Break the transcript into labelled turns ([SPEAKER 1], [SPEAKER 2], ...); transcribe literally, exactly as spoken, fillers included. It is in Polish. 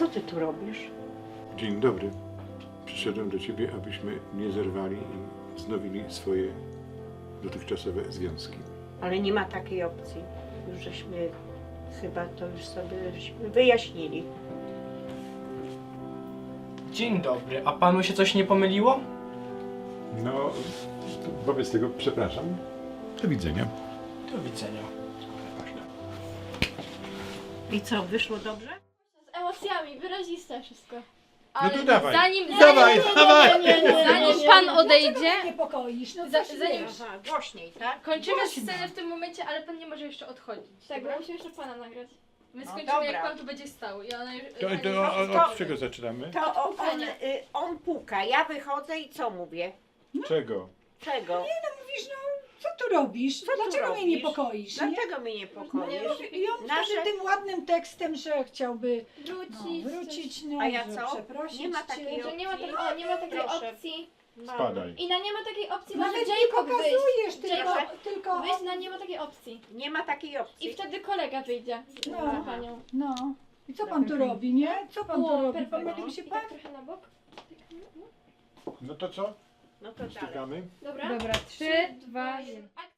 [SPEAKER 1] Co ty tu robisz?
[SPEAKER 2] Dzień dobry. Przyszedłem do ciebie, abyśmy nie zerwali i wznowili swoje dotychczasowe związki.
[SPEAKER 1] Ale nie ma takiej opcji. Już żeśmy chyba to już sobie żeśmy wyjaśnili.
[SPEAKER 3] Dzień dobry, a panu się coś nie pomyliło?
[SPEAKER 2] No, wobec tego przepraszam. Do widzenia.
[SPEAKER 3] Do widzenia.
[SPEAKER 1] I co, wyszło dobrze?
[SPEAKER 4] Z emocjami, wyraziste wszystko.
[SPEAKER 2] No to dawaj.
[SPEAKER 4] Zanim,
[SPEAKER 2] Dawaj,
[SPEAKER 4] zanim,
[SPEAKER 2] dawaj!
[SPEAKER 4] zanim pan odejdzie,
[SPEAKER 5] niepokoisz, no
[SPEAKER 4] za,
[SPEAKER 5] coś
[SPEAKER 4] zanim
[SPEAKER 5] wiesz.
[SPEAKER 1] Aha, głośniej, tak?
[SPEAKER 4] kończymy
[SPEAKER 5] Głośno.
[SPEAKER 4] scenę w tym momencie, ale pan nie może jeszcze odchodzić. Tak, bo musimy jeszcze pana nagrać. My
[SPEAKER 1] No
[SPEAKER 4] skończymy
[SPEAKER 1] dobra.
[SPEAKER 4] jak pan tu będzie stał. I ona już,
[SPEAKER 2] To,
[SPEAKER 4] pani-
[SPEAKER 2] to o- od czego zaczynamy?
[SPEAKER 1] To on,
[SPEAKER 4] pukania.
[SPEAKER 1] y, on puka, ja wychodzę i co mówię?
[SPEAKER 2] Czego?
[SPEAKER 1] Czego?
[SPEAKER 5] Mówisz, no co tu robisz?
[SPEAKER 1] Co tu
[SPEAKER 5] Dlaczego mnie
[SPEAKER 1] robisz?
[SPEAKER 5] niepokoisz? Nie?
[SPEAKER 1] Dlaczego mnie niepokoisz?
[SPEAKER 5] I on
[SPEAKER 1] Nasze-
[SPEAKER 5] wtedy tym ładnym tekstem, że chciałby no,
[SPEAKER 4] wrócić.
[SPEAKER 5] wrócić, no,
[SPEAKER 1] A ja
[SPEAKER 5] że
[SPEAKER 1] co?
[SPEAKER 5] przeprosić
[SPEAKER 1] Nie ma
[SPEAKER 5] cię.
[SPEAKER 1] takiej
[SPEAKER 4] Że nie ma,
[SPEAKER 1] opcji.
[SPEAKER 4] tak, o, nie ma takiej
[SPEAKER 1] Proszę.
[SPEAKER 4] opcji.
[SPEAKER 2] Spadaj.
[SPEAKER 4] I na nie ma takiej opcji,
[SPEAKER 5] Nawet
[SPEAKER 4] może
[SPEAKER 5] nie
[SPEAKER 4] Jacob wyjść.
[SPEAKER 5] pokazujesz, tylko,
[SPEAKER 1] Jacob.
[SPEAKER 5] tylko
[SPEAKER 4] Wyjść na nie ma takiej opcji.
[SPEAKER 1] Nie ma takiej opcji.
[SPEAKER 4] I wtedy kolega wyjdzie
[SPEAKER 5] No.
[SPEAKER 4] za panią.
[SPEAKER 5] no. I co pan tu robi, nie? Co pan tu
[SPEAKER 4] O,
[SPEAKER 5] robi?
[SPEAKER 4] perfekt.
[SPEAKER 5] Pomylił się
[SPEAKER 4] I
[SPEAKER 5] pan?
[SPEAKER 4] tak trochę na bok.
[SPEAKER 2] No to co?
[SPEAKER 1] No to dalej.
[SPEAKER 2] Stykamy?
[SPEAKER 4] Dobra?
[SPEAKER 6] Dobra, trzy, dwa, jeden.